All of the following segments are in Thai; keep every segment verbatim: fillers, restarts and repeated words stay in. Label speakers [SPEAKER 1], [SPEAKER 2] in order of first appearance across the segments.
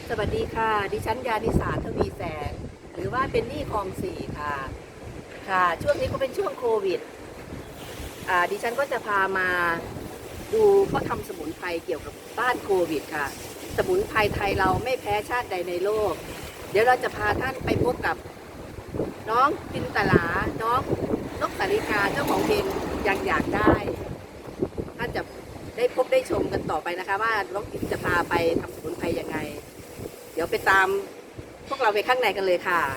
[SPEAKER 1] สวัสดีค่ะดิฉันยานิสาทวีแสงหรือว่าเป็นหนี้คลองสี่ค่ะค่ะช่วงนี้ก็เป็นช่วงโควิดอ่าดิฉันก็จะพามาดูเขาทำสมุนไพรเกี่ยวกับต้านโควิดค่ะสมุนไพรไทยเราไม่แพ้ชาติใดในโลกเดี๋ยวเราจะพาท่านไปพบกับน้องจินตลาน้องนกสาริกาเจ้าของเพลงยังอยากได้ท่านจะได้พบได้ชมกันต่อไปนะคะว่าน้องจินจะพาไปทำสมุนไพรยังไงเดี๋ยวไปตามพวกเราไปข้างในกันเลยค่ะ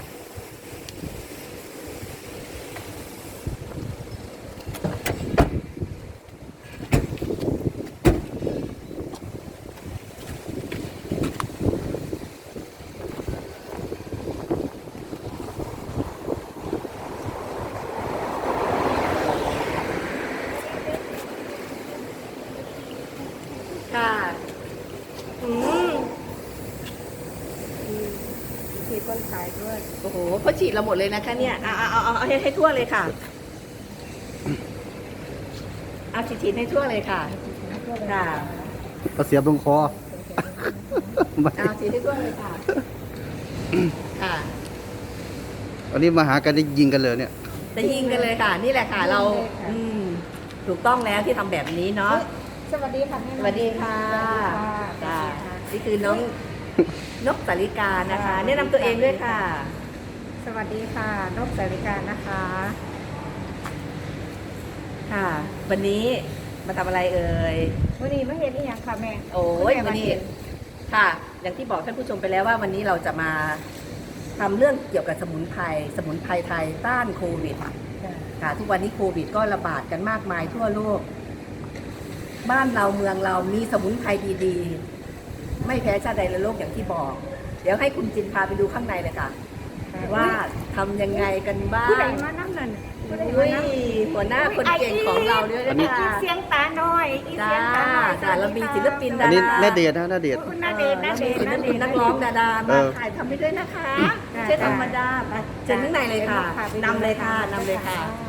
[SPEAKER 1] ค่ะอืมฉีดคนขายด้วยโอ้โหเขาฉีดเราหมดเลยนะคะเนี่ยเอาเอาเอาเอาให้ให้ทั่วเลยค่ะเอาฉีดฉีดให้ทั่วเลยค่ะค่ะ
[SPEAKER 2] เอาเสียบตรงคอ
[SPEAKER 1] เอาฉีดให้ทั่วเลยค่ะค่ะ
[SPEAKER 2] อันนี้มาหากันได้ยิงกันเลยเนี่ย
[SPEAKER 1] จะยิงกันเลยค่ะ นี่แหละค่ะเราอืมถูกต้องแล้วที่ทำแบบนี้เนาะ
[SPEAKER 3] สวัสดีค่ะแม่
[SPEAKER 1] สวัสดีค่ะ
[SPEAKER 3] สวัสดีค่ะ
[SPEAKER 1] นี่คือน้องนกสาริกานะคะแนะนำตัวเองด้วยค่ะ
[SPEAKER 3] สวัสดีค่ะนกสาริกานะคะ
[SPEAKER 1] ค่ะ วันนี้มาทำอะไรเอ่ย
[SPEAKER 3] วันนี้มาเห็นอีกอย่างค่ะแม่
[SPEAKER 1] โอ้ยวันนี้ค่ะ อย่างที่บอกท่านผู้ชมไปแล้วว่าวันนี้เราจะมาทำเรื่องเกี่ยวกับสมุนไพรสมุนไพรไทยต้านโควิดค่ะทุกวันนี้โควิดก็ระบาดกันมากมายทั่วโลก บ้านเราเมืองเรามีสมุนไพรดีๆไม่แพ้ชาติใดในโลกอย่างที่บอก เดี๋ยวให้คุณจินพาไปดูข้างในเลยค่ะ ว่าทำยังไงกันบ้า
[SPEAKER 3] ผู้ใด
[SPEAKER 1] ง
[SPEAKER 3] มานั่งนั่นผู้ใด
[SPEAKER 1] อุ้
[SPEAKER 3] มาย นั่ง
[SPEAKER 1] หัวหน้าคนเก่งของเราด้วย
[SPEAKER 2] อัน
[SPEAKER 1] นะ
[SPEAKER 2] นี้
[SPEAKER 1] คะ
[SPEAKER 3] เสียงตาหน่อยอี
[SPEAKER 1] จ้า
[SPEAKER 3] เสียงตาหน่อย
[SPEAKER 1] จ้าเรามีศิลปิน
[SPEAKER 2] อั
[SPEAKER 1] ดาน
[SPEAKER 2] นี้
[SPEAKER 1] รา
[SPEAKER 2] แน่เดชนะแน่เดช
[SPEAKER 3] คุณนาเดชน์นาเดชน์
[SPEAKER 1] ศิล
[SPEAKER 3] นาเด
[SPEAKER 1] ปิน
[SPEAKER 3] ชน์
[SPEAKER 1] นักร้องดารา
[SPEAKER 2] เอ
[SPEAKER 1] มา
[SPEAKER 2] อ
[SPEAKER 1] ถ่ายทำไปด้วยนะคะ
[SPEAKER 3] จ้า
[SPEAKER 1] ไม่ใช่ธรรมดาไปเชิญข้างในเลยค่ะ
[SPEAKER 3] ไปดู
[SPEAKER 1] นำเลยค่ะนำเลยค่ะ
[SPEAKER 3] ค่ะ